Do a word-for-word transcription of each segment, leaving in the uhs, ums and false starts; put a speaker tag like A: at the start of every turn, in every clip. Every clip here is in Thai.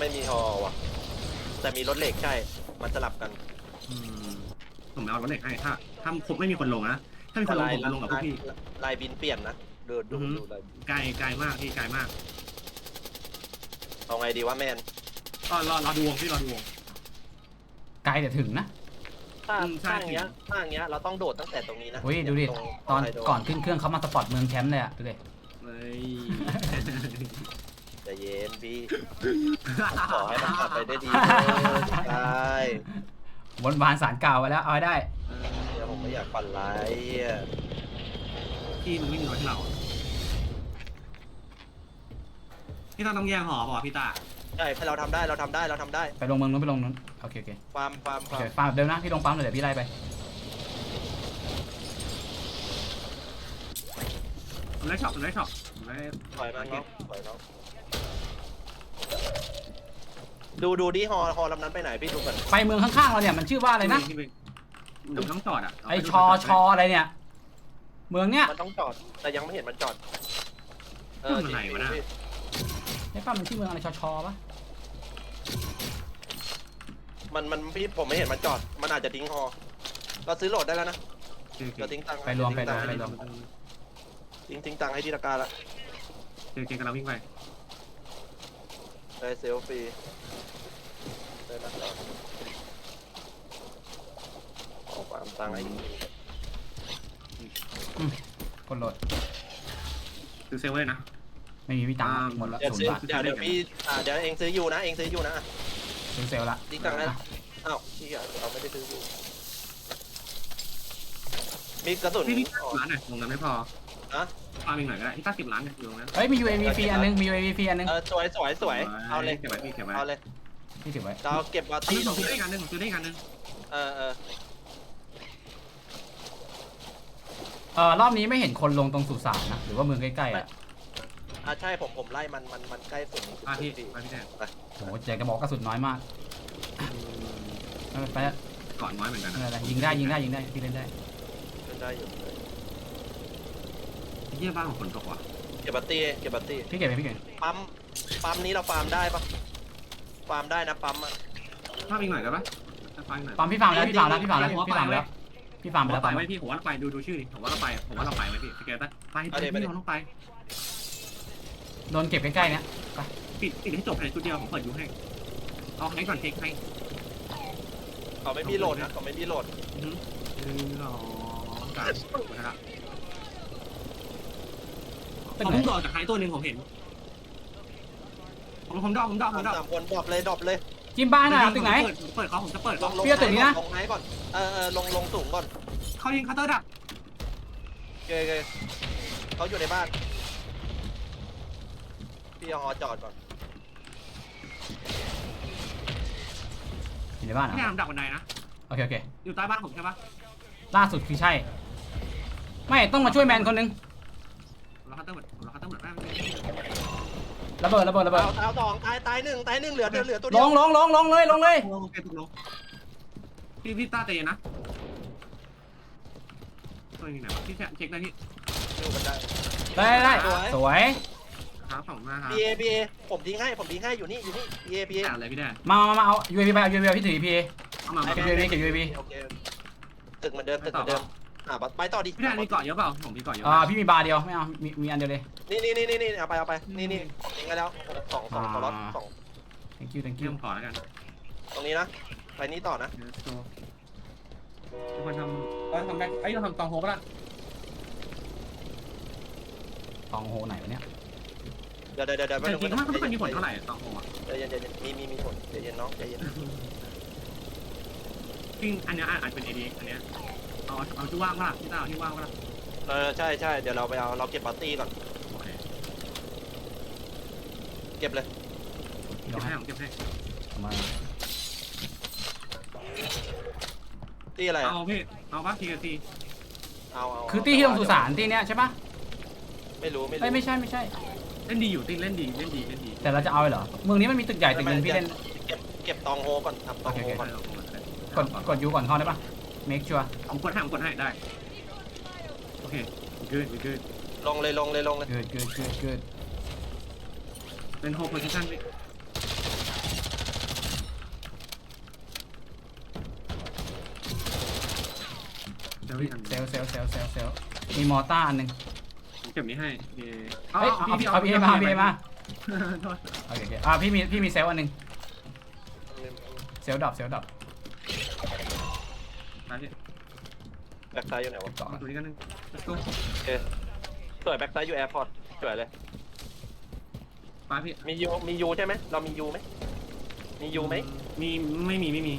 A: ไม่มีฮอว่ะแต่มีรถเหล็กใช่มันสลับกัน
B: อืมผมเอารถเหล็กให้ถ้าถ้าครบไม่มีคนลงนะถ้ามีคนลงผมจะลงกับพวกพี่
A: ลายบินเปลี่ยนนะดูดูดูลาย
B: ไกลไกลมากพี่ไกลมาก
A: เอาไงดีวะแมน
B: ก็รอรอดูวงพี่รอดูวง
C: ไกลแต่ถึงนะ
A: ถ้าถ้าอย่างเงี้ยถ้าอย่างเงี้ยเราต้องโดดตั้งแต่ตรงนี้นะ
C: เฮ้ยดูดิตอนก่อนขึ้นเครื่องเขามาสปอร์ตเมืองแคมป์เลยอะดูดิ
B: เฮ้ย
A: ใจเย็นพี่ขอให้มันกลับไปได้ดีได้
C: วนวานสารเก่าไปแล้วเอาได้
A: เดี๋ยวผมไม่อยากปั่นไล่
B: พี่มันไม่มีรถให้เราพี่ต้องต้องแย่งหอป่ะพี่ตา
A: ใช่ให้เราทำได้เราทำได้เราทำได้
C: ไปลงเมืองนู้นไปลงนู้นโอเคโอเค
A: ฟาร์มฟาร์ม
C: ฟาร์มฟาร์มเดิมนะพี่ลงปั๊มเลยเดี๋ยวพี่ไล่ไป
B: ผมได้ช็อปผมได้ช็อปผมได้
A: ถอยมาเนาะถอยเนาะดูดูดิฮอฮอลำนั้นไปไหนพี่ดูกัน
C: ไปเมืองข้างๆเราเนี่ยมันชื่อว่าอะไรนะ
B: เดี๋ยวต้องจอดอ่ะ
C: ไอชอชออะไรเนี่ยเมืองเนี้ย
A: มันต้องจอดแต่ยังไม่เห็นมันจอด
B: เออไหนวะนะ
C: ไอ้ป้ามันชื่อเมืองอะไรชอชอปะ
A: มันมันพี่ผมไม่เห็นมันจอดมันอาจจะทิ้งฮอเราซื้อโหลดได้แล้วนะเราทิ้งตังค์
C: ไปรวมไปรวมไปรวม
A: ทิ้งทิ้งตังค์ให้ที่ตะการละ
B: เก่งๆกันเราวิ่งไป
A: ได้เซลฟี่ได้แล้วออกความตังค์ให้
C: กดโหลด
B: ซื้อเซลเลยนะ
C: ไม่มีพี่ตังค์หมดแล้วศูนย์บาท
A: เดี๋ยวเดี๋ยวพี่เดี๋ยวเองซื้ออยู่นะเองซื้ออยู่นะ
C: ซื้อเซลละ
A: ทิ้งตังค์นะอ้าวพี่เราไม่ได้ซื้ออยู่มีกระสุน
B: พี่พี่ร้านหน่อยลงกันไม่พอ
A: อะ
B: ฟาร์มอีกหน่อยก็ได้ที่ตั้งสิบล้านเนี่ยอยู่ตรงนั้น
C: เฮ้ยมี ยู เอ วี ฟรีอันนึงมี ยู เอ วี ฟรีอันนึง
A: เออสวยสวยสวยเอาเลย
B: เก็บไว้พี่เก็บไว้
A: เอาเลย
C: พี่เก็บไว้
A: เราเก็บวาตี้
B: ผมซื้อได้กันนึงผมซื้อได้กันนึง
A: เออเออ
C: เออรอบนี้ไม่เห็นคนลงตรงสุสานนะหรือว่าเมืองใกล้ๆอ่ะ
A: อ่าใช่ผมผมไล่มันมันมันใกล้สุด
B: อ่ะพี่ไปพี่แทน
C: ไปโหเจ๊กระบอกกระสุนน้อยมากไป
B: ก่อนน้อยเหมือนกัน
C: อะไรยิงได้ยิงได้ยิงได้พี่เล่นได้
A: เล่นได้อยู่
B: เยี่ยบ้านของฝนตกว่ะ
A: เก็บบัตตี้เก็บบัตตี้
C: พี่เก็บไปพี่เก็บ
A: ปั๊มปั๊มนี้เราฟาร์มได้ปะฟาร์มได้นะปั๊มอ่ะ
B: ฟาร์มอีกหน่อยได้ปะฟาร์มอีกหน่อย
C: ปั๊มพี่ฟาร์มแล้วพี่ฟาร์มแล้วพี่ฟาร์มแล้วพี่ฟาร์มแล้วพี่ฟาร์มไปแล้ว
B: ไปไว้พี่ผมว่าเราไปดูดูชื่อดิผมว่าเราไปผมว่าเราไปไว้พี่สเกลตั้งไปไปพี่เราต้องไป
C: โดนเก็บใกล้ๆเนี้ยไป
B: ปิดปิดให้จบเลยชุดเดียวผมเปิดยูให้เอาให้ก่อนเทคให้
A: เขาไม่มีโหลดนะเขาไม่มีโหลด
B: อือหรอการนะครับผมต้องดอกจากใครตัวหนึ่งผมเห็นผมผมดอกผมดอกผมดอก
A: สามคนดรอปเลยดรอปเลย
C: จิ้มบ้านหน่อยตึกไหน
B: เปิดเขาผมจะเปิด
A: ลงลงตึกนี้นะลงไหนก่อนเออเออลงลงสูงก่อน
B: เขายิงคัตเตอร์ดับ
A: เกยเกยเขาอยู่ในบ้านพี่เอาฮอจอดก่อน
C: อยู่ในบ้านอ่ะ
B: พี่ทำดักบันไดนะ
C: โอเคโอเค
B: อยู่ใต้บ้านผมใช่ปะ
C: ล่าสุดคือใช่ไม่ต้องมาช่วยแมนคนนึง
B: เราคัตเตอร์หมดเราคัตเตอร์หมดแม่
C: ระเบิดระเบิดระเบิด
A: ตายสองตายตายหนึ่งตายหนึ่งเหลือเหลือตัวเดี
C: ยวลงลงลงลงเลยลงเลย
B: พี่พี่ต้าเตยนะตัวนี้ไหนวะพี่เช็คได้พี่
A: ดูกันได้
C: ได้ได้สวย
B: ครับสองมาครับ
A: พี เอ พี เอ ผมทิ้งให้ผมทิ้งให้อยู่นี่อยู่นี่ พี เอ พี เอ
B: อะไรพี่แดน
C: มามามาเอา ยู เอ วี ไปเอา ยู เอ วี พี่ถือ พี เอ
B: เอามา
C: เก็บ ยู เอ วี เก็บ ยู เอ วี
A: โอเคตึกเหมือนเดิมตึกเหมือนเดิมอ่ะไปต่อดิ
B: พี่แดนมีเกาะเยอะเปล่าผมมีเกาะเยอะ
C: อ่าพี่มีบาร์เดียวไม่เอามีมีอันเดียวเลย
A: นี่นี่นี่นี่เอาไปเอาไปนี่นี่ทิ้งไปแล้วสองสองล็อตสอง
C: thank you thank you
B: ขอแล้วกัน
A: ตรงนี้นะไปนี้ต่อนะ
B: ทุกคนทำเราทำได้ไอ้เราทำตองโฮก็ได้
C: ตองโฮไหนวะเนี่ย
A: เดี๋ยวเดี๋ยวเดี๋ยว
B: จริงๆมันมันมีผลเท่าไหร่ตองโฮอ่ะ
A: ใจเย็นใจเย็นมีมีมีผลใจเย็นน้องใจเย็น
B: จริงอันนี้อาจเป็นเอดีอันนี้เอาเอาที่ว่างป่ะที่ตาที่ว่างป่ะ
A: เออใช่ใช่เดี๋ยวเราไปเอาเราเก็บปาร์ตี้ก่อนเก็บเลย
B: เก็บให้ผมเก็บให้
C: มา
A: ตีอะไร
B: เอาพี่เอาป่ะทีกับที
A: เอาเอา
C: คือตีที่ลงสุสานตีเนี้ยใช่ปะ
A: ไม่รู้ไม่รู้
C: ไม่ใช่ไม่ใช่
B: เล่นดีอยู่ตีเล่นดีเล่นดีเล่นดี
C: แต่เราจะเอาเหรอเมืองนี้มันมีตึกใหญ่ตึกนึงพี่เล่น
A: เก็บเก็บตองโฮก่อนทำตองโฮก่อน
C: กดกดยูก่อนเข้าได้ปะ make sure
B: ผมกดให้ผมกดให้ได้โอเค good good
A: ลงเลยลงเลยลงเลย
C: good good good good
B: เป็น hold position พี่ลล์อีกอัน
C: เซลลเซลลเซลลเซลลเซลลมีมอต้าอันหนึ่ง
B: ผมเก็บนี้ให้โอเค
C: เฮ้ยเอาเอาพี่เอมาพี่เอมา
B: โทษ
C: โอเคโอเคอ่าพี่มีพี่มีเซลล์อันหนึ่งเซลล์ดับเซลล์ดับ
B: ไปพี่
A: แบ็กซ้ายอยู่ไหนวะ
C: สอง
B: เอาตัวนี้กันหนึง let's go
A: สวยแบ็กซ้ายอยู่แอร์พอร์ตสวยเลย
B: ไปพี่
A: มียูมียูใช่ไหมเรามียูไหมมียูไหม
B: มีไม่มีไม่มี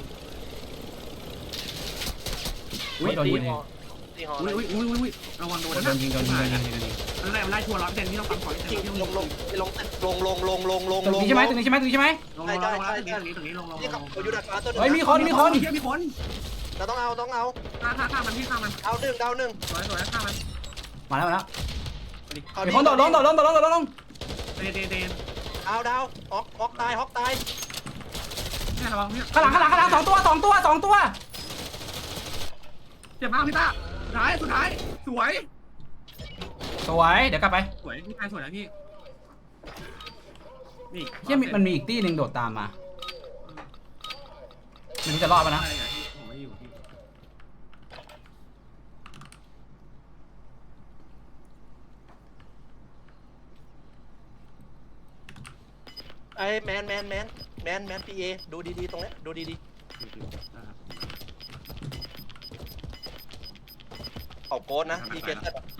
C: อุ้ยโดน
A: ตี
C: ยิง
A: ฮอตีฮอ
B: อุ้ยอุ้ยอุ้ยอุ้ยระวังโดน
C: โดนยิงโดนยิงโดนยิงโดนยิง
B: นั่นแหละมันไล่ชัวร์ร้อยเปอร์เซ็นต์ที่ต้องปั๊มก่อน
A: จริงลงลงลงลงลงลงลงลง
C: ตรงนี้ใช่ไหมตรงนี้ใช่ไหมตรงนี้ใช่ไหม
B: ลงลงลงตรงนี้ตรงนี้ลงลง
A: นี่
B: ล
A: ขับ
B: ง
A: อยู่ดักฟ้าตัวนึง
C: เฮ้ยมีคนมีคน
B: เฮียมีคน
A: เราต้องเอาต้องเอา
B: ฆ่าฆ่าฆ่ามันพี่ฆ่ามัน
A: เอาหนึ่งเอาหนึ่ง
B: สวยสวยฆ่ามัน
C: มาแล้วมาแล้ว
A: เอา
C: มีคนโดดลงโดดลงโดดลงโดดลง
B: เดนเดนเดน
A: เอาดาวฮอกฮอกตายฮอกตาย
B: เนี่ยระวังเนี่ย
C: ข้างหลังข้างหลังข้างหลังสองตัวสองตัวสองตัว
B: เจ็บมากพี่ตาสุดท้ายสุดท้ายสวย
C: สวยเดี๋ยวกลับไป
B: สวยพี่ชายสวยนะพี่นี่
C: เฮียมีมันมีอีกตี้หนึ่งโดดตามมาไม่รู้จะรอดปะนะ
B: อะไรอ่ะพี่ผมไม่อยู่พี่
A: ไอ้แมนแมนแมนแมนแมนพีเอดูดีๆตรงนี้ดูดีๆเอาโกดนะพีเกต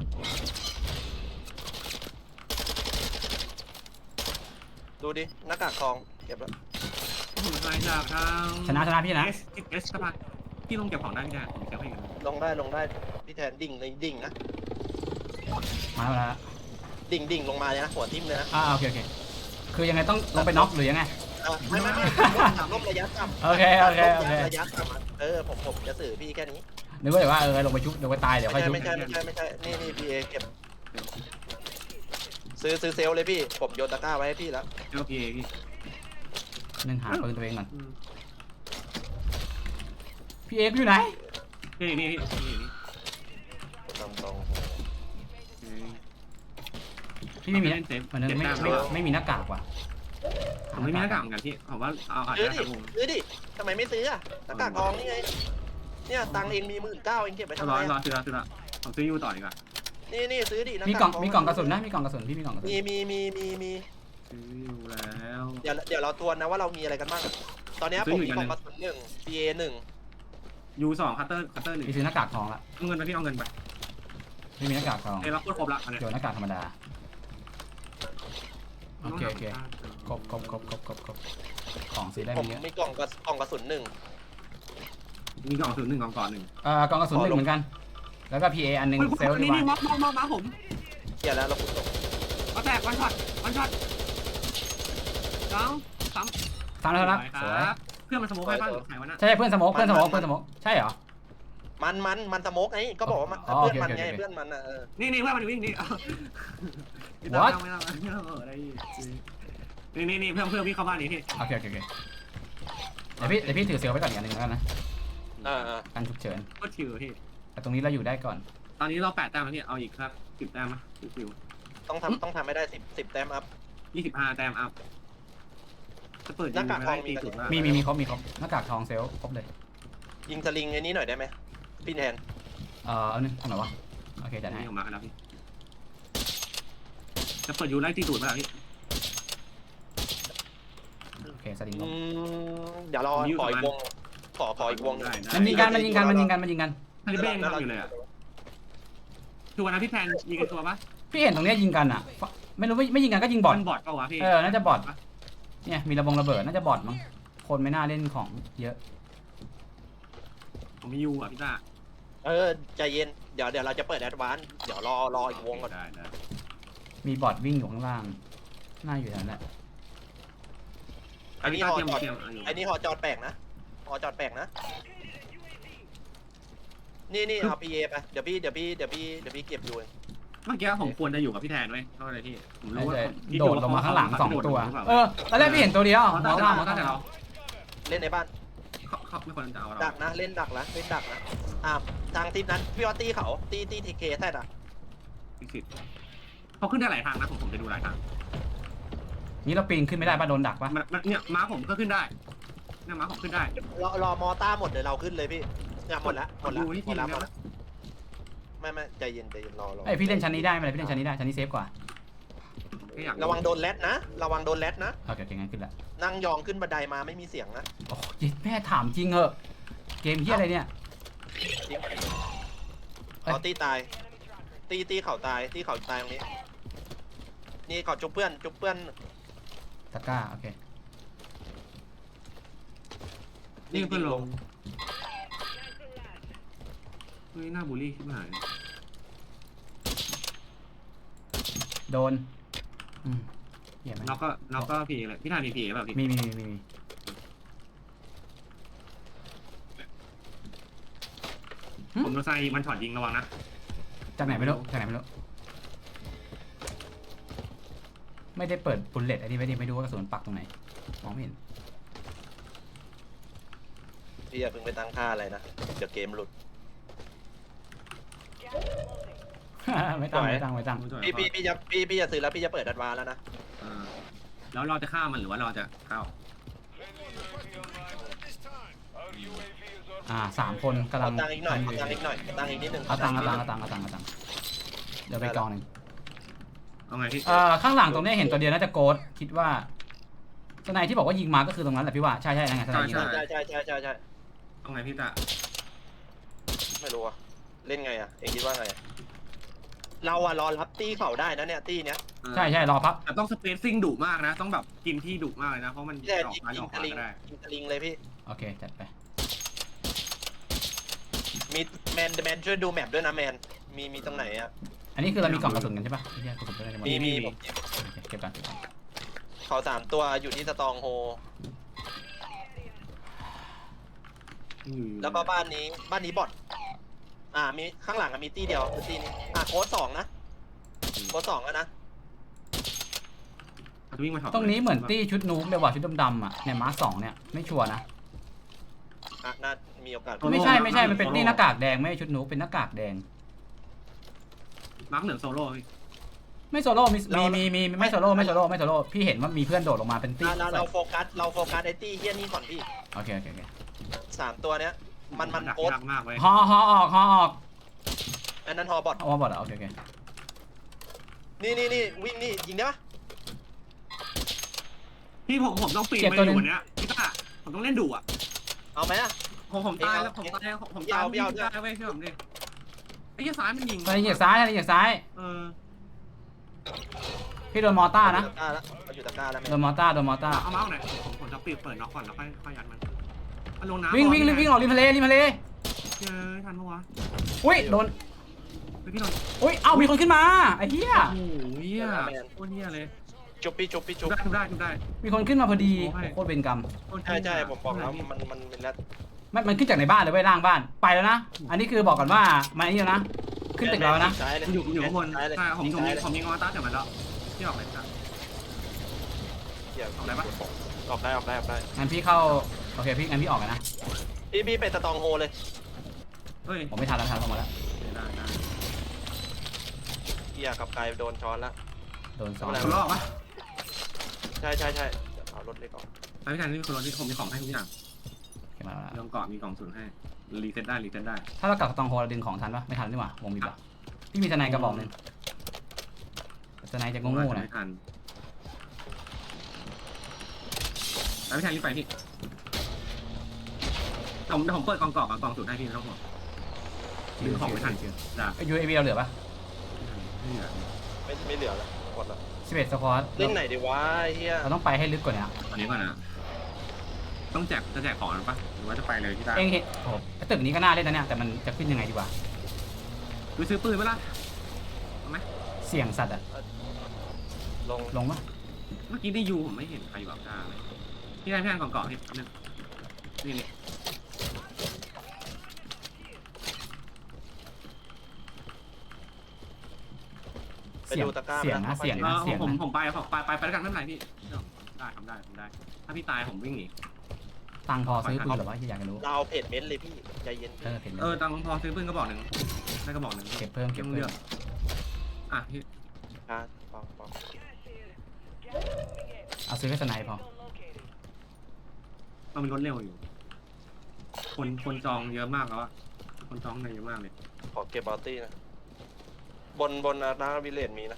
A: ดูดิหน้ากากทองเก็บแล้ว
B: ผมรายจากทาง
C: ชนะชนะพี่นะ
B: เอสเอสครับพี่ลงเก็บของได้พี่แดนผมเก็บให้กัน
A: ลงได้ลงได้พี่แทนดิ่งเลยดิ่งนะ
C: มาแล้วมาแล้ว
A: ดิ่งดิ่งลงมาเลยนะหัวทิ่มเลยนะ
C: อ่าโอเคโอเคคือยังไงต้องลงไปน็อกหรือยังไง
A: ไม่ไม่ไม่ถามลมระยะต่ำ
C: โอเคโอเคโอเค
A: ระยะต่ำเออผมผมจะสื่อพี่แค่นี้
C: นึกว่าเดี๋ยวว่าเออลงไปชุบลงไปตายเดี๋ยวค่
A: ไม่
C: อย
A: ใช่
C: ชุบ
A: ไม่ใช่ไม่ใช่ไม่ใช่นี่นี่พีเอเก็บซื้อซื้อเซลเลยพี่ผมโยนตะกร้าไว้ให้พี่แล้ว
B: เอลพีพี่
C: หนึ่งหาปืนตัวเองก่อนพี่เอกอยู่ไหน
B: นี่นี่นี่นี่
A: ตรงตรง
C: พี่ไม่มี
B: เล่นเซฟ
C: มันไม่ไม่ไม่มีหน้ากากว่ะ
B: ผมไม่มีหน้ากากเหมือนกันพี่ผมว่าเอาอาจ
A: ซื้อ
B: จะ
A: ดิ
B: ทำวง
A: ซื้อดิทำไมไม่ซื้ออะตะกร้าทองนี่ไงเนี่ยตังเองมีหมื่นเก้าเองเก็บไปทำ
B: รอ
A: ไม
B: รอซื้อซื้อละผมซื้อยูต่อดีกว่า
A: นี่นี่ซื้อดิ
C: มีกล่องมีกล่องกระสุนนะมีกล่องกระสุนพี่มีกล่องกระสุน
A: มีมีมีมีมี
B: ซื้อยูแล้ว
A: เดี๋ยวเดี๋ยวเราทวนนะว่าเรามีอะไรกันบ้างตอนนี้ผมมีกล่องกระสุนหนึ่งพีเอหนึ่ง
B: ยูสองคัตเตอร์คัตเตอร์หนึ่ง
C: พี่ซื้อหน้ากากทองละ
B: เอาเงินไปพี่เอาเงินไป
C: พี่มีหน้ากากทอง
B: เอ้ยเราพูดครบละ
C: เดี๋ยวหน้ากากธรรมดาโอเคโอเคครบครบครบครบครบครบของซื้อได้
A: ผม
C: ไม่เยอะ
A: มีกล่องกระกล่องกระสุนหนึ่ง
B: มีกล่องศูนย์หนึ่งกล่องก่อนหนึ่ง
C: เอ่อกล่องกระสุนหนึ่งเหมือนกัน แล้วก็ พี เอ อันหนึงเซลล์ดี
B: นี่
C: กว่า
B: นี่ม็อกม็อกม็อกมาผม
A: เกียร์แล้วเราขุดตก
B: มาแตกวันช็อตวันช็อตสองสาม
C: ทำแล้วครับสวย
B: เพื่อนมันสโมกให้บ้างหรือใครวะน่ะ
C: ใช่เพื่อนสโมกเพื่อนสโมกเพื่อนสโมกใช่เหรอ
A: มันมันมันสโมกไงก็บอกว่ามัน
C: อ๋อ
A: เพื่อน
C: โอเค
A: มัน
C: โอเค
A: ไง
C: โอเค
A: เพื่อนมันอ่ะเออ
B: นี่นี่เพื่อนมันวิ่งนี่
C: What
B: ไม่ต้องไม่ต้องเออได้นี่นี่นี่เพื่อนเพื่อนพี่เข้าบ้านนี่พี่
C: โอเคโอเคโอเคเดี๋ยวพี่เดี๋ยวพี่ถือเซลล์ไว้ก่อนอีกอันหนึงแล้วกันนะ
A: อ่าอ่า
C: กันฉุกเฉิน
B: ก็ชิวพี่
C: แต่ตรงนี้เราอยู่ได้ก่อน
B: ตอนนี้เราแปดแต้มแล้วพี่เอาอีกครับสิบแต้มมั้ยชิว
A: ต้องทำต้องทำให้ได้สิบสิบแต้มอัพ
B: ยี่สิบห้าแต้มอัพจะเปิดยิงไม่ได้ตีสุดมาก
C: มีมีมีครบมีครบหน้ากากทองเซลล์ครบเลย
A: ยิงสลิงไอ้นี้หน่อยได้ไหมพี่แทน
C: เอ่อเอาหนึ่งทำไหนวะโอเคจัดให้
B: นี่ออกมาแล้วพี่จะเปิดยูไล่ตีสุดมาพี่
C: โอเคสลิงล
A: อื
C: ง
A: มเดี๋ยวรอขออีกวงขอขออีกวงหนึ่ง
C: มันยิงกันมันยิงกันมันยิงกันมันยิงกัน
B: ทาริเบ้งทำอยู่เลยอ่ะคือวันนั้นพี่แพนยิงกันตัวปะ
C: พี่เห็นตรงเนี้ยยิงกันอ่ะ ไม่รู้ไม่ไม่ยิงกันก็ยิงบอท
B: มันบอดเปล่าวะพี่
C: เออน่าจะบอทเนี่ยมีระบงระเบิดน่าจะบอทมั้งคนไม่น่าเล่นของเยอะ
B: ผมมียูอ่ะพี่ต้า
A: เออใจเย็นเดี๋ยวเดี๋ยวเราจะเปิดแอดวานซ์เดี๋ยวรอรออีกวงก่อน
B: ได้ได้
C: มีบอทวิ่งอยู่ข้างล่างน่าอยู่แถวนั้นแหละ
A: อันนี้
B: ต้า
A: หอ
B: เตรียม
A: จอด
B: เตรียม
A: อันนี้หอจอดแปลกนะหอจอดแปลกนะนี่นี่เอาพีเอไปเดี๋ยวพี่เดี๋ยวพี่เดี๋ยวพี่เดี๋ยวพี่เก็บอยู่
B: เมื่อกี้ผมควรจะอยู่กับพี่แทนไว้เท่าไหร่พี่ผมรู้ว่า
C: โดดลงมาข้างหลังสองตัวเออตอนแรกพี่เห็นตัวเดียว
B: ม
C: ม
B: อ
C: อง
B: ต้า
C: ล่าง
B: ม
C: ม
B: อ
C: อง
B: ต้าแต่
C: ล่าง
B: เรา
A: เล่นในบ้าน
B: เขาเขาไม่ควรจะเอาเรา
A: ดักนะเล่นดักนะเล่นดักนะอ่าทางทีมนั้นพี่ว่าตีเขาตีตีทีเคใช่ด่ะ
B: พิสิทธิ์เขาขึ้นได้หลายทางนะผมผมไปดูหลายทาง
C: นี่เราปีนขึ้นไม่ได้ป่ะโดนดักป่ะ
B: มันเนี่ยม้าผมก็ขึ้นได้เนี่ยม้าผมขึ้นได้
A: รอรอมอต้าหมดเดี๋ยวเราขึ้นเลยพี่เนี่ยหมดละหมดละหมดละหมดละไม่ไม่ใจเย็นใจเย็นรอรอ
C: ไอยพี่เล่นชั้นนี้ได้ไหมพี่เล่นชั้นนี้ได้ชั้นนี้เซฟกว่า
B: แค่อยาก
A: ระวังโดนแรดนะระวังโดนแรดนะ
C: โอเคโอเคงั้นขึ้นละ
A: นั่งยองขึ้นบันไดมาไม่มีเสียงนะ
C: โอ้ยแม่ถามจริงเหอะเกมเฮียอะไรเนี่ย
A: จริงเขาตีตาย ตีตีเขาตายตีเขาตายตรงนี้ นี่เขาจุบเพื่อนจุบเพื่อน
C: ตะกร้าโอเค
B: นี่เพื่อนลงเฮ้ยหน้าบูลลี่ขึ้นมา
C: โดนอืมเหี้ยไหม
B: เราก็เราก็ผีเลยพี่ทายมีผีแบบพี่
C: มีมีมีมีมี
B: ผมโดนไซมันช็อตยิงระวังนะ
C: จากไหนไม่รู้จากไหนไม่รู้ไม่ได้เปิดบุลเลตอันนี้ไม่ได้ไม่รู้ว่ากระสุนปักตรงไหนมองไม่เห็น
A: พี่อย่าเพิ่งไปตั้งค่าอะไรนะเดี๋ยวเกมหลุด
C: ไม่ตั้งไม่ตั้งไม่ตั้ง
A: พี่พี่พี่จะพี่พี่จะซื้อแล้วพี่จะเปิดดัดวาแล้วนะ
B: แล้วเราจะฆ่ามันหรือว่าเราจะเข้า
C: อ่าสามคนกำลั
A: เอา
C: ง
A: ตังค์อีกหน่อยเอาตังค์อีกหน่อยเอาตังค์อีกนิดนึง
C: เอาตังค์เอาตังค์เอาตังค์เอาตังค์เอาตังค์เดี๋ยวไปกองหนึ่ง
B: เอาไงพี่
C: เอ่อข้างหลังตรงนี้เห็นตัวเดียวน่าจะโกดคิดว่าสไนที่บอกว่ายิงมาก็คือตรงนั้นแหละพี่ว่าใช่ใช่นั่นไงสไนยิง
A: ใช่
C: มา
A: ใช่ใช่ใช่ใช่ใช่
B: เอาไงพี่ตา
A: ไม่รู้อะเล่นไงอะเองคิดว่าไงอะเราอะรอรับตีเขาได้นะเนี่ยตีเนี้ย
C: ใช่ใช่รอพับ
B: แต่ต้องสเปซซิ่งดุมากนะ ต้องแบบกินที่ดุมากเลยนะเพราะมัน
A: พี่แต่
B: ออก
A: ยิง
B: มาอ
A: ยิง
B: อก
A: ตะ
B: มา
A: ลิง
B: ก็ได้
A: ยิงตะลิงเลยพี่
C: โอเคจัดไป
A: มีแมนแมนช่วยดูแมปด้วยนะแมนมีมีตรงไหนอะ
C: อันนี้คือเรามีกล่องกระสุนกันใช่ปะไม่ใช่กระสุนไม่ได้หมด
A: มีมีผม
C: โอเคเก็บกันเก็บกัน
A: เขาสามตัวอยู่ที่สตองโฮแล้วก็บ้านนี้บ้านนี้บอทอ่ามีข้างหลังอะมีตีเดียวคือตีนี้อ่ะโค้ดสองนะโค้ดสองแล้วนะ
B: วิ่งมาถอด
C: ตรงนี้เหมือนตี้ชุดนู๊กเลยว่ะชุดดำๆอ่ะเนี่ยมาร์คสองเนี่ยไม่ชัวร์นะ
A: อ่ะน่ามีโอกาส
C: ไม่ใช่ไม่ใช่มันเป็นตี้หน้ากากแดงไม่ใช่ชุดนู๊กเป็นหน้ากากแดง
B: มาร์คเหลืองโซโล่พี่
C: ไม่โซโล่มีมีมีมีไม่โซโล่ไม่โซโล่ไม่โซโล่พี่เห็นว่ามีเพื่อนโดดลงมาเป็นตี้
A: เราเราโฟกัสเราโฟกัสไอ้ตี้เฮี้ยนี่ก่อนพี่
C: โอเคโอเคโอเค
A: สามตัวเนี้ยมันมัน
B: ดัก
A: โค้ด
B: ยากมากเว้ย
C: ฮอฮอออกฮอออก
A: อันนั้นฮอบอท
C: เอามาบอดเหรอโอเคโอเค
A: นี่นี่นี่วิ่งนี่ยิงได้ปะ
B: พี่ผมผมต้องปีนไปอยู่วันเนี้ยพี่ตาผมต้องเล่นดุอ่ะ
A: เอาไหมอะ
B: ผมผมตายแล้วผมตายผมตายพี่ตายเว้ยเชื่อผมดิไอ้ยี่ซ้ายมันยิง
C: ตอนนี้เหยียดซ้ายตอนนี้เหยียดซ้าย
B: เออ
C: พี่โดนมอต้านะ
A: ตะกร้าแล้วเอาอยู่ตะกร้าแล้วแม่
C: โดนมอต้าโดนมอต้า
B: เอาเมาส์หน่อยผมผมจะปิดเปิดน็อกก่อนแล้วค่อยค่อยยัดมันมันลงน้ำ
C: วิ่งวิ่งวิ่งออกริมทะเลริมทะเล
B: เจอทันปะวะ
C: อุ้ยโดน
B: พี่โดน
C: อุ้ยเอ้ามีคนขึ้นมาไอ้เหี้ย
B: โอ้โหเหี้ยโคตรเหี้ยเลย
A: จุบพี่จุบพี่
B: จุ
A: จุ
B: บบ ได้จุบได้จุบได้
C: มีคนขึ้นมาพอดี
B: โอ้ย
C: โคตรเป็นกรรม
A: ใช่ใช่ผมบอกแล้วมันมันเป็นแล้ว
C: มันมันขึ้นจากในบ้านเลยเว้ยล่างบ้านไปแล้วนะอันนี้คือบอกก่อนว่ามันอันนี้แล้วนะขึ้นตึกเราแล้วนะ
A: ซ้ายเลย
B: อยู่อยู่ข้างบน
A: ซ้ายเลย
B: ใช่ผมผม
A: ซ้าย
B: มี
A: เลย
B: ผมมีงอต้าจากมันแล้วที่ออกเลยครับ
A: เดี๋ยว
B: ออกได้ปะ
A: ออกได้ออกได้ออกได้
C: งั้นพี่เข้าโอเคพี่งั้นพี่ออกกันนะ
A: พี่พี่ไปสตองโฮเลย
B: เฮ้ย
C: ผมไม่ทันแล้วทันลงมาแล้ว
B: ได้ได้
A: เกียร์กับไกลโดนช้อนแล้ว
C: โดนซ้อน
B: คนรอบปะ
A: ใช่ใช่ใช่เดี๋ยวเอารถเล็กออก
B: ไปพี่ชายนี่คนรถที่ผมมีของให้ทุกอย่าง
C: โอเคมาแล้ว
B: มีกล่องเกาะมีกล่องศูนย์ให้รีเซ็ตได้รีเซ็ตได้
C: ถ้าเรากลับตองโฮเราดึงของทันปะไม่ทันนี่หว่าวงบีบอะพี่มีทนายกระบอกหนึ่งทนายจะโง่ๆหน่อย
B: ไม่ทันไปพี่ชายรีบไปพี่ผมผมเปิดกล่องเกาะกับกล่องศูนย์ให้พี่ไม่ต้องห่วงดึงของไม่ทันได้
C: ไอ้ยูเอวีเราเหลือปะ
B: ไม่เหลือ
A: ไม่ไม่เหลือแล้วหมดแล้ว
C: สิบเอ็ดสควอต
A: เล่นไหนดีวะไอ้เฮีย
C: เราต้องไปให้ลึกกว่านี้
B: ตอนนี้ก่อนนะต้องแจกจะแจกของหรือปะหรือว่าจะไปเลยที่ได้
C: เองเห็นโอ้ไอ้ตึกนี้ก็น่าเล่นนะเนี่ยแต่มันจะขึ้นยังไงดีวะ
B: ดูซื้อปืนไหมล่ะเอาไหม
C: เสี่ยงสัตว์อะ
A: ลง
C: ลงปะ
B: เมื่อกี้ได้ยูผมไม่เห็นใครอยู่แบบด้าเลยพี่ได้พี่ได้กล่องเกาะพี่นึงนี่นี่
A: ไป
C: เสี่ยง
A: ดูตะกร้า
C: เสี่ยงนะเสี่ยง
B: เอ
C: นะ
B: อ
C: เสี่ยง
B: ผม
C: นะ
B: ผมไปผมไปไปไปด้วยกันไม่เป็นไรพี่ได้ทำได้ทำได้ ถ้าพี่ตายผมวิ่งหนี
C: ตังค์พอซื้อปืนหรอวะที่อยากจะรู้
A: เราเอาเพจเม้นต์เลยพี่ใจเย็น
C: เออเห็น
B: เออตังค์พอซื้อปืนกระบอกหนึ่งได้กระบอกหนึ่ง
C: เก็บเพิ่มเก็บ
B: เลื
C: เพิ่
B: อ
C: ม
B: กอ่ะพี่
A: อ่ะปองปอง
C: เอาซื้อแค่สไนพอ
B: มันมีรถเร็วอยู่ คนคนจองเยอะมากแล้วอะคนจองในเยอะมากเลย
A: ขอเก็บบอลตี้นะบนบนอาร์วิเลนมีนะ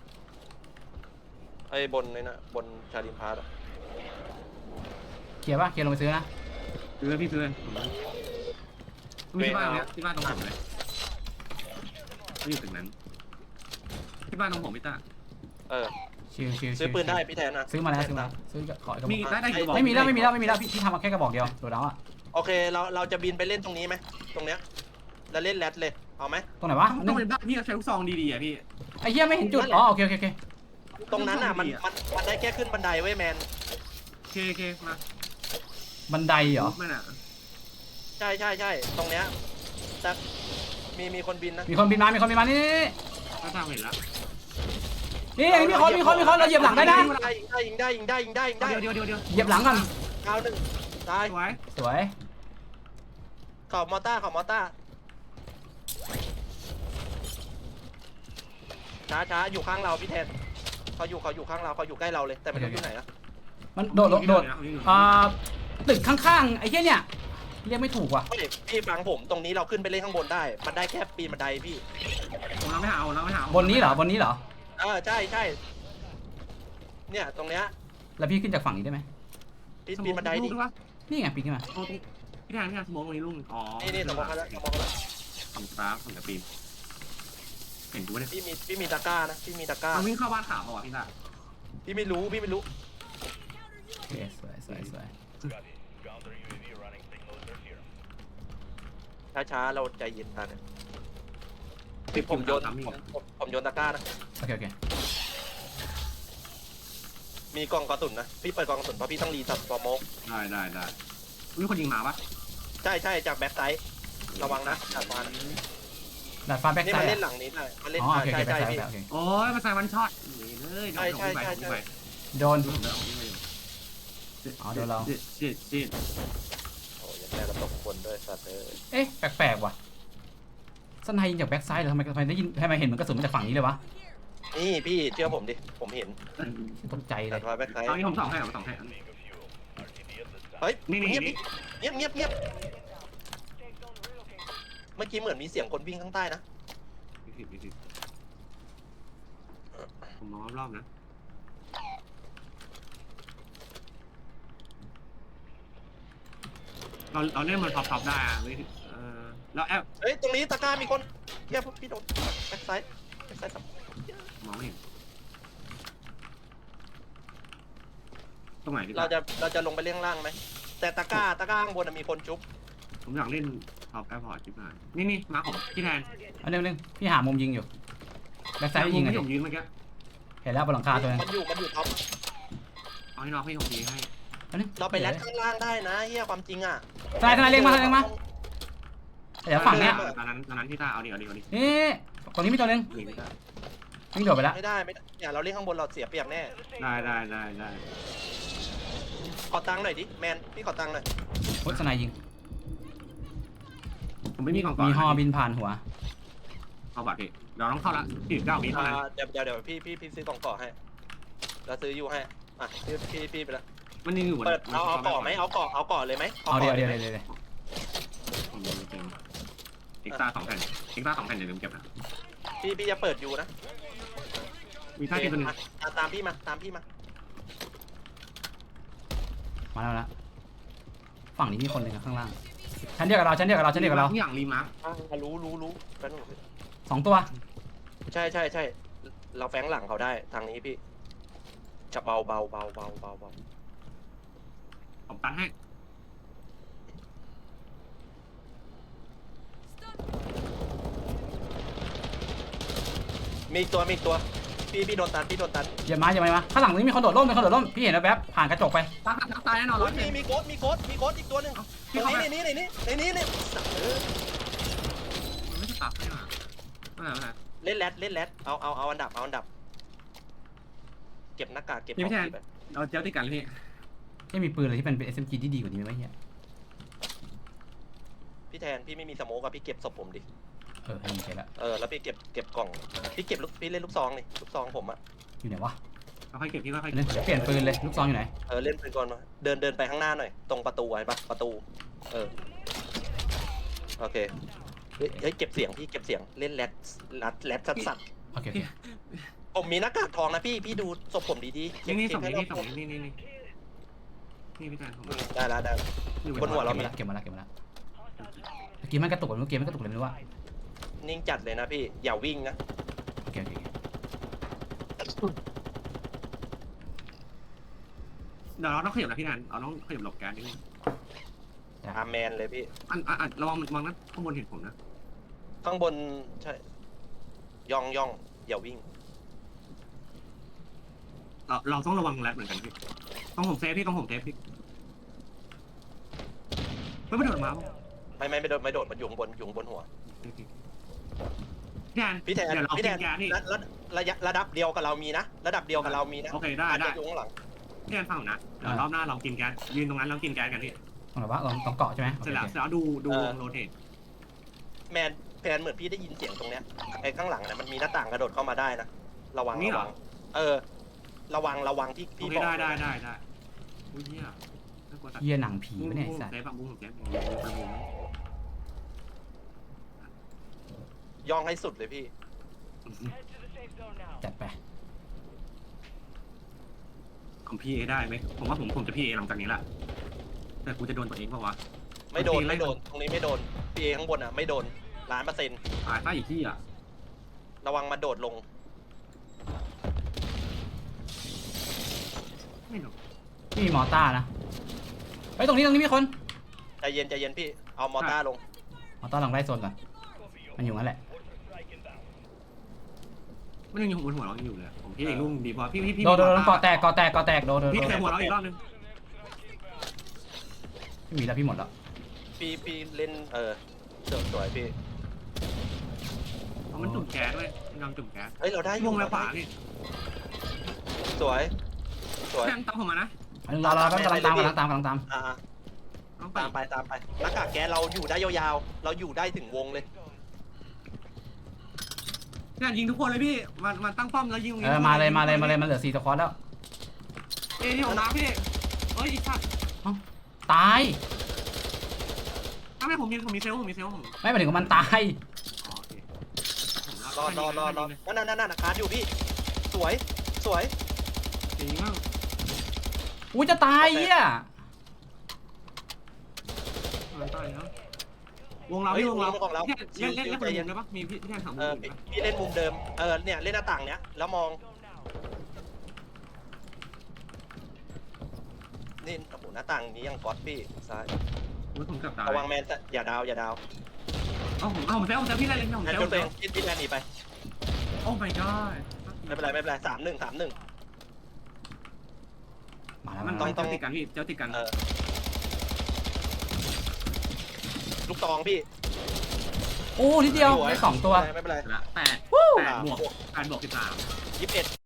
A: ไอ้บนนี่นะบนชาลิมพาร์ตอะ
C: เคลียร์ป่ะเคลียร์ลงไปซื้อนะ
B: ซื้อพี่ซื้อมีที่บ้านเนี้ยที่บ้านตรงผมเลยไม่อยู่ถึงนั้นที่บ้านตรงผมพี่ตา
A: เออ
C: ชิวชิว
A: ซื้อปืนได้พี่แทนนะ
C: ซื้อมาแล้วซื้อมาซื้อขออีกกระบ
B: มี
C: อก
B: ได้ได้กี่บอก
C: ไม่มีแล้วไม่มีแล้วไม่มีแล้วพี่พี่ทำมาแค่กระบอกเดียวโดดแล้วอ่ะ
A: โอเคเราเราจะบินไปเล่นตรงนี้ไหมตรงเนี้ยแล้วเล่นแรดเลยเอาไหม
C: ตรงไหนวะ
B: ต้องเป็นบ้านพี่ใช้ลูกซองดีๆอ่ะพี่
C: ไอ้เหี้ยไม่เห็นจุดอ๋อโอเคโอเคโอเค
A: ตรงนั้นอ่ะมันมันมันได้แค่ขึ้นบันไดเว้ยแมน
B: เคเคมา
C: บันไดเหรอ
B: ไม่น่ะ
A: ใช่ใช่ใช่ตรงเนี้ยแต่มีมีคนบินนะ
C: มีคนบินมามีคนบินมานี่
B: ก็ตามเห็นแล้ว
C: นี่นี่มีคนมีคนมีคนเราเหยียบหลังได้นะ
A: ยิงได้ยิงได้ยิงได้ยิงได้ยิงได้ยิงได้
B: เดี๋ยวเดี๋ยวเดี๋ยว
C: เหยียบหลังก่อน
A: ดาวหนึ่งตาย
B: สวย
C: สวย
A: ขอบมอต้าขอบมอต้าช้าช้าอยู่ข้างเราพี่แทนเขาอยู่เขาอยู่ข้างเราเขาอยู่ใกล้เราเลยแต่ไม่รู้อยู่ไหนนะ
C: มันโดดโดดโดดอ่าตึกข้างๆไอ้เหี้ยเนี่ยเรียกไม่ถูกว่ะ
A: ไม่พี่ฟังผมตรงนี้เราขึ้นไปเล่นข้างบนได้ มันได้แค่ปีนบันไดพี่
B: ผมเราไม่หาเราไม่หา
C: บนนี้เหรอบนนี้เหรอ
A: เออใช่ใช่เนี่ยตรงเนี้ย
C: แล้วพี่ขึ้นจากฝั่งนี้ได้ไหม
A: ปีนปีนบันไดดิ
C: นี่ไงปีนขึ้นมา
B: โอ้พี่แทนพี่แทนสมองตรงนี้ลุงอ๋อ
A: นี่นี่สมองเขาแล้วสมองเขาแล้ว
B: ทำฟ้าทำกับปีนเห็นกูเนี่ย
A: พี่มีพี่มีตะกร้านะพี่มีตะกร้า
B: มันวิ่งเข้าบ้านขาวอ่ะพี่ตา
A: พี่ไม่รู้พี่ไม่รู้
C: โอเคสวยสวยสวย
A: ช้าช้าๆเราใจเย็นกันพี่ผมโยนผมผมผมโยนตะกร้านะ
C: โอเคโอเค
A: มีกล่องกระสุนนะพี่เปิดกล่องกระสุนเพราะพี่ต้องรีสับสมอง
B: ได้ได้ได้มีคนยิงมาปะ
A: ใช่ใช่จากแบ็คไซด์ระวังนะจากมัน
C: ดาดฟ้าแบ็ค
A: นี่
C: ไซ
A: มา
C: ด์
A: เล่นหลังนี้ได้มาเล่น
C: อ๋อโอเค
A: ใช่
C: โอเคแบ็
A: ใช่
C: คไซด์
A: พี่
C: โอเค
B: โอ้ยมาใส่วันช็อตเลย
A: ใช่ใช่ใช่ใช่
C: โดน
B: เจ็ดเจ็ด
A: โอ้ยแม่กระตกคนด้วยสัตว์เอ้ย
C: เอ๊ะแปลกๆว่ะสไนยิงจากแบ็คไซด์เหรอทำไมทำไมได้ยินทำไมเห็นเหมือนกระสุนมาจากฝั่งนี้เลยวะ
A: นี่พี่เชื่อผมดิผมเห็น
C: ตกใจเล
A: แต่
C: ย
A: ทอยแบ็คไซด์
B: ตอนนี้ผมสองให้ผมสองให้
A: เฮ้ย
B: นี่นี่
A: เงียบ
B: นี่
A: เงียบเงียบเงียบเมื่อกี้เหมือนมีเสียงคนวิ่งข้างใต้นะ
B: ผิดผิดผิดผมมองรอบๆนะเราเราเล่นมันท็อปๆได้อะไม่เออแล้วแอบ
A: เฮ้ยตรงนี้ตะกร้ามีคนเงียบพี่โดนแบ็คไซด์แบ็คไซด์สับ
B: มองไม่เห็นตรงไหนดี
A: เราจะเราจะลงไปเล่นข้างล่างไหมแต่ตะกร้าตะกร้าข้างบนนะมีคนจุ๊บ
B: ผมอยากเล่นท็อปแอร์พอร์ตที่ผ่านนี่นี่มาผมพี่แทน
C: อันนึงนึงพี่หามุมยิงอยู่แบ็คไซด์ยิงไง
B: ที่ผมยืนเมื่อกี้
C: เห็นแล้วบนหลังคาตัวนึง
A: มันอยู่มันอยู่ท็อป
B: เอาให้น้องพี่ผมยืนให้
A: เราไปแลดข้างล่างได้นะเฮียความจริงอ่ะ
C: สไนสไนเล็งมาสไนเล็งมาเดี๋ยวฝั่งเนี้ย
B: ตอนนั้นตอนนั้นพี่ตาเอาดิเอาดิเอาดิ
C: นี่ตรงนี้มีตัวนึง
B: นี่พี่ตา
C: วิ่งโดดไปแล้ว
A: ไม่ได้ไม่ได้เนี่ยเราเล่นข้างบนเราเสียเปรียบแน่
B: ได้ได้ได้ได้
A: ขอตังค์หน่อยดิแมนพี่ขอตังค์หน่อย
C: โอ้ยสไนยิง
B: ผมไม่มีกล่องก่อน
C: มีฮอบินผ่านหัว
B: เอาบัตรพี่เราต้องเข้าละพี่เก้าวิเท่า
A: อ่า
B: นั้น
A: เดี๋ยวเดี๋ยวเดี๋ยวพี่พี่พี่ซื้อกล่องก่อให้เราซื้ออยู่ให้อ่ะพี่พี่พี่ไปละ
B: มันยังอยู่บน
A: เปิดเอาเอาก่อไหมเอาก่อเอาก่อเลยไหม
C: เอาเดี๋ยวเดี๋ยวเดี๋ยวเดี๋ยว
B: เอ็กซ์ตร้าสองแผ่นเอ็กซ์ตร้าสองแผ่นอย่าลืมเก็บนะ
A: พี่พี่จะเปิดอยู่นะ
B: มีท่าทีตัวนึง
A: อ่ะอ่ะตามพี่มาตามพี่มา
C: มาแล้วนะฝั่งนี้มีคนหนึ่งข้างล่างชั้นเดียวกับเราชั้นเดียวกับเราชั้นเดียวกับเรา
B: ทุกอย่างรีมาร์ค
A: อ่ะรู้รู้รู้แป๊บนึง
C: สองตัว
A: ใช่ใช่ใช่เราแฝงหลังเขาได้ทางนี้พี่จะเบาเบาเบาเบาเบาเบา
B: ผมตันให้
A: มีอีกตัวมีอีกตัวพี่พี่โดนตันพี่โดนตัน
C: อย่ามาอย่ามาอย่ามาข้างหลังนี้มีคนโดดร่มมีคนโดดร่มพี่เห็นแล้วแป๊บผ่านกระจกไป
B: ตายตายแน่นอน
A: โอ้
B: ร้อย ย
A: มีมีโค้ดมีโค้ดมีโค้ดอีกตัวหนึ่ง
B: พี่
A: ใน
B: เข้าไป
A: นี้ในนี้ในนี้ในนี้สัตว์เออ
B: มันไม่ใช่ตับนี่หว่าไม่ไหนไม่ไหน
A: เล่นแรดเล่นแรดเอาเอาเอาอันดับเอาอันดับ เก็บหน้ากากเก็บของพี่ไป
B: เราเจ้าติดกันเลยพี่
C: ไม่มีปืนอะไรที่เป็นเป็น เอส เอ็ม จี ที่ดีกว่านี้ไหมเฮีย
A: พี่แทนพี่ไม่มีสโมกอะพี่เก็บศพผมดิ
C: เออให้มีใช่แล้ว
A: เออแล้วพี่เก็บเก็บกล่องพี่เก็บลูกพี่เล่นลูกซองนี่ลูกซองผมอะ
C: อยู่ไหนวะ
B: เราค่อยเก็บพี่ค่อย
C: เดี๋ยวเปลี่ยนปืนเลยลูกซองอยู่ไหน
A: เออเล่นไปก่อนมาเดินเดินไปข้างหน้าหน่อยตรงประตูไว้ปะประตูเออโอเค
C: โอเค
A: เฮ้ยเฮ้ยเก็บเสียงพี่เก็บเสียงเล่นแรดแรดแรดสัตว์สัตว์
C: โอเคโอเค
A: ผมมีหน้ากากทองนะพี่พี่ดูศพผมดีๆ
B: นี่นี่
A: เช็
B: ส่
A: ค
B: ง
A: ให้
B: นี่
A: รอบ
B: นี่ส่งนี่นี่นี่นี่พี่แทนผม
A: อืมได้แล้วได้แล้ว
B: อยู่
A: บนหัวเรา
C: เก็บมาแล้วเก็บมาแล้วเมื่อกี้มันกระตุกเมื่อกี้มันกระตุกเลยไม่รู้ว่า
A: นิ่งจัดเลยนะพี่อย่าวิ่งนะ
C: โอเคโอเค
B: เดี๋ยวเราต้องขยับนะพี่แทนเราต้องขยับหลบแก๊สนิดนึง
A: อาแมนเลยพี่
B: อันอันระวังระวังนะข้างบนเห็นผมนะ
A: ข้างบนใช่ย่องย่องอย่าวิ่ง
B: เราเราต้องระวังแรดเหมือนกันพี่ต้องผมเซฟพี่ต้องผมเซฟพี่ไม่ไม่โดดมา
A: ไม่ไม่ไม่โดดไม่โดดมันอยู่ข้างบนอยู่ข้างบนหัว
B: พี่แทน
A: พี่แทน
B: เดี๋ยวเรา
A: พี่
B: กิ
A: แท
B: น
A: น
B: แก๊สนี่
A: ระระระยะระดับเดียวกับเรามีนะ ระดับเดียวกับเรามีนะ
B: โอเคได้
A: อาจ
B: ได้
A: จะอยู่ข้างหลัง
B: พี่แทนฟังผมนะเดี๋ยวรอบหน้าเรากินแก๊สยืนตรงนั้นแล้วกินแก๊สกันพี่
C: ตรงไหนวะลองต้องเกาะใช่ไหม
B: เสร็จแล้วเสร็จแล้วดูดูวงโรเทต
A: แมนแพนเหมือนพี่ได้ยินเสียงตรงเนี้ยไอ้ข้างหลังเนี่ยมันมีหน้าต่างกระโดดเข้ามาได้นะระวังระวังเออ ระวังระวังที่
B: โอ
A: พี่
B: เค
A: บอก
B: ได้ได้ได้ได้อุ้ยเหี้ยน่ากลัวตัด
C: เยี่ยหนังผี
B: บุ้ง
C: ปะเนี่ย
B: บุ้ง
C: ไอ้สัตว์
B: เซฟอะบุ้งเซฟบุ้งบุ้ง
A: ย่องให้สุดเลยพี่
C: จัดไป
B: ของพี่เอได้ไหมผมว่าผมผมจะพี่เอหลังจากนี้แหละแต่กูจะโดนตัวเองเปล่าวะ
A: ไม่โดนไม่โดนตรงนี้ไม่โดนพี่เอข้างบนอ่ะไม่โดนล้านเปอร์เซ็นต์
B: ตายใต้อีกที่อ่ะ
A: ระวังมาโดดลง
B: ไม่โดน
C: พี่มีมอต้านะเฮ้ยตรงนี้ตรงนี้มีคน
A: ใจเย็นใจเย็นพี่เอามอต้าลง
C: มอต้าลองไล่โซนก่อนมันอยู่นั่นแหละ
B: มันยังอยู่บนหัวเราอยู่เลยผมพี่เอกลุ่งดีพอพี่พี่พี่
C: โดนโดนโดนเกาะแตกเกาะแตกเกาะแตกโดนโดน
B: พี่
C: โดน
B: ใส่หัวเราอีกรอบนึง
C: ไม่มีแล้วพี่หมดแล้ว
A: พี่พี่เล่นเออสวยสวยพี่
B: มันจุ่มแก๊สด้วยยอมจุ่มแก๊ส
A: เฮ้ยเราได้อ
B: ว
A: ยู่
B: งแล้วขวานี่
A: สวยสวย
B: แทงตามผมมานะ
C: อันนึงรอรอแป๊บกำลังตามกำลังตามกำลังตาม
A: อ่า
B: ต้องไป
A: ตามไปตามไปหน้ากากแก๊สเราอยู่ได้ยาวๆ เราอยู่ได้ถึงวงเลย
B: เนี่ยยิงทุกคนเลยพี่มันมันตั้งป้อมแล้วยิง
C: เออมาเลยมาเลยมาเลยมันเหลือสี่สควอตแล้ว
B: เอ้ยที่ผมมาพี่เอ้ยอีกชัด
C: ตาย
B: ถ้าไม่ผมมีผมมีเซลผมมีเซลผม
C: ไม่หมายถึงว่ามันตาย
B: อ๋อโอเค
A: รอรอรอรอนั่นนั่นนั่นคาร์ดอยู่พี่ สวย สวย
B: จริงมาก
C: อุ้ยจะตายเหี้ย
B: ตายแล้ววงเราพี่วงเราเล่นเล่นเล่นคนเดียวได้ปะมีพี่พี่แทนถาม
A: เออ
B: ผม
A: พี่พี่เล่นมุมเดิม เออ เนี่ย เล่นหน้าต่างเนี้ย แล้วมอง นี่ โอ้โห หน้าต่างนี้ยังก๊อตพี่ ซ้าย
B: ว่าผมกับตาย
A: ระวังแมนแต่อย่าดาว อย่าดาว
B: เอาผมเอาผมเซลผมเซลพี่เล่นเล่นผม
A: แมน
B: เซล
A: จนตัวเองพี่พี่แมนหนีไป
B: โอ้ my god
A: ไม่เป็นไร ไม่เป็นไรสามหนึ่งสามหนึ่ง
C: มาแล้ว
B: มัน
C: มา
B: ต้
C: แล้
B: อง
C: ว
B: เจ้าติดกันพี่เจ้าติดกัน
A: เออ ลูกตองพี่
C: โอ้นิดเดียวได้สองตัว
A: ไม่เป็นไร
B: แปดแปดบวกแปดบวกสิบสาม
A: ยี่สิบเอ็ด